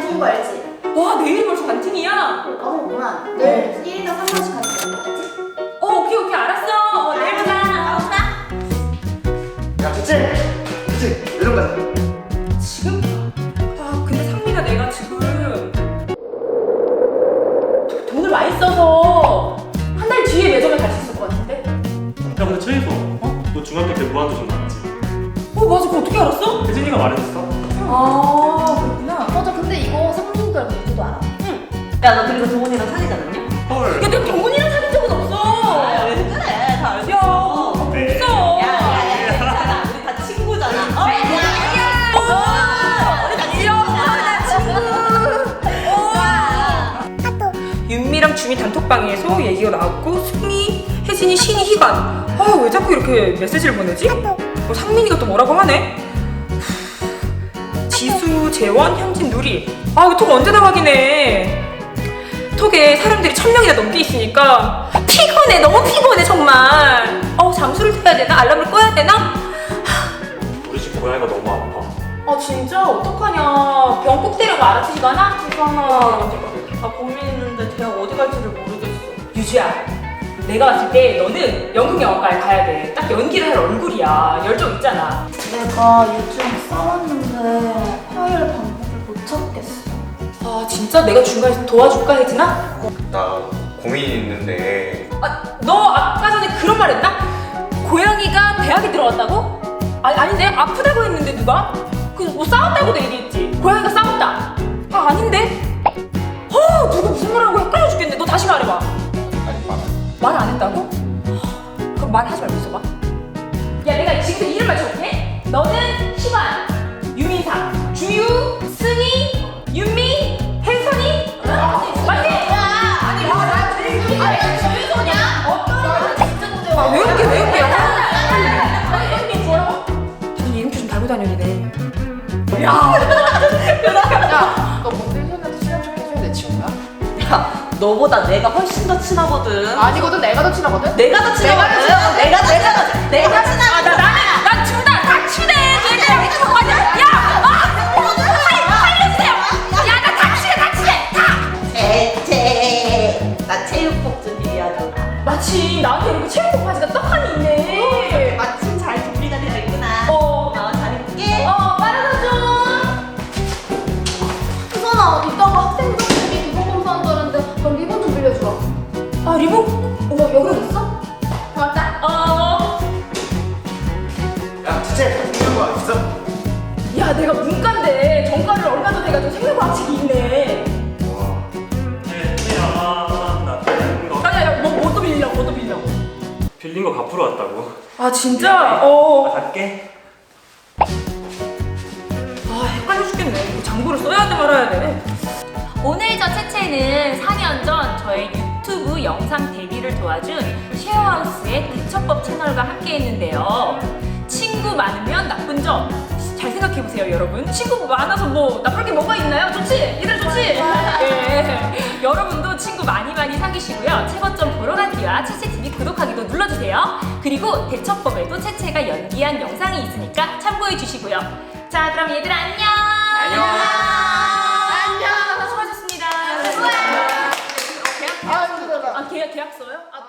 반띵인 거 알지? 와, 내일이 벌써 반팅이야? 까먹구나. 내일 1인당 3만원씩 가는 거 알지? 오케이, 알았어. 내일 보자. 야, 대체 매점 가자. 지금? 아, 근데 상민아, 내가 지금 돈을 많이 써서 한 달 뒤에 매점에 갈 수 있을 것 같은데? 야 근데 최희소 너 중학교 때 무한도전 나왔지? 맞아. 그거 어떻게 알았어? 혜진이가 말해줬어. 아, 그렇구나. 맞아, 근데 이거 상민이가 누구도 알아. 야, 너 그리고 동훈이랑 사귀지 않았냐? 헐. 야, 내가 경훈이랑 사귄 적은 없어. 왜 그래? 다 알고 야, 있어. 없어. 괜찮아. 우리 다 친구잖아. 윤미랑 주미 단톡방에서 얘기가 나왔고 승미, 혜진이, 신이, 희관. 아, 왜 자꾸 이렇게 메시지를 보내지? 상민이가 또 뭐라고 하네? 지수, 재원, 현진, 누리. 아, 이거 톡 언제 다 확인해? 톡에 사람들이 1000명이나 넘게 있으니까 피곤해, 너무 피곤해 정말. 잠수를 타야 되나? 알람을 꺼야 되나? 우리 집 고양이가 너무 아파. 아, 진짜 어떡하냐. 병 꼭 데려가. 알았지, 희관아? 나 고민했는데 대학 어디 갈지를 모르겠어. 유주야, 내가 봤을 때 너는 연극영화과에 가야 돼. 딱 연기를 할 얼굴이야. 열정 있잖아. 내가 유주랑 싸웠는데 화해할 방법을 못 찾겠어. 아, 진짜 내가 중간에서 도와줄까, 혜진아? 나 고민이 있는데. 아, 너 아까 전에 그런 말 했나? 고양이가 대학에 들어갔다고? 아닌데? 아프다고 했는데 누가? 뭐 싸웠다고도 얘기했지. 고양이가 싸웠다. 아, 아닌데? 누가 무슨 말하고 헷갈려 죽겠네. 너 다시 말해봐. 아니, 말 안 했다고? 그럼 말하지 말고 있어봐. 야, 내가 지금부터 이름 맞춰볼게. 너는 희관, 유민상, 주유, 승희, 윤미, 혜선이. 맞지? 아니, 나 주유 소냐? 아, 왜 웃게? 다들 이름표 좀 달고 다녀니네. 야, 너 뭔데 혜선이한테 친한 척 해줘야 내 친구야? 야, 너보다 내가 훨씬 더 친하거든. 아니거든, 내가 더 친하거든? 내가 더 친하거든. 내가 친하거든. 난 둘 다 친해. 얘들아, 이거 맞아. 살려주세요. 야, 나 다 친해. 나 체육복준이야 누나. 마침 나한테 이렇게 체육복 바지가 떡하니 있네. 마침 잘 준비가 되어 있구나. 잘 입을게. 빨아서 혜선아, 이따가 학생들끼리 리본 검사한다는데 너 리본 좀 빌려주라. 좀. 아, 리본? 여기 있어? 맞다. 야, 대체 생각과 있어? 야, 내가 문과인데 전과를 얼마 전에 해가지고 생명과학책이 있네. 와. 혜진아 나 빌린 거 야, 뭐 또 빌리려고? 빌린 거 갚으러 왔다고. 아, 진짜? 나 갈게. 아, 헷갈려 죽겠네. 장부를 써야 돼 말아야 돼. 오늘 저 채채는 4년 전 저의 유튜브 영상 데뷔를 도와준 쉐어하우스의 대처법 채널과 함께 했는데요. 친구 많으면 나쁜 점. 잘 생각해보세요, 여러분. 친구 많아서 뭐 나쁠 게 뭐가 있나요? 좋지? 이들 좋지? 예. 여러분도 친구 많이 사귀시고요. 최고점 보러 가기와 채채TV 구독하기도 눌러주세요. 그리고 대처법에도 채채가 연기한 영상이 있으니까 참고해주시고요. 자, 그럼 얘들아 안녕! 안녕! 수고하셨습니다. 수고해. 계약서요?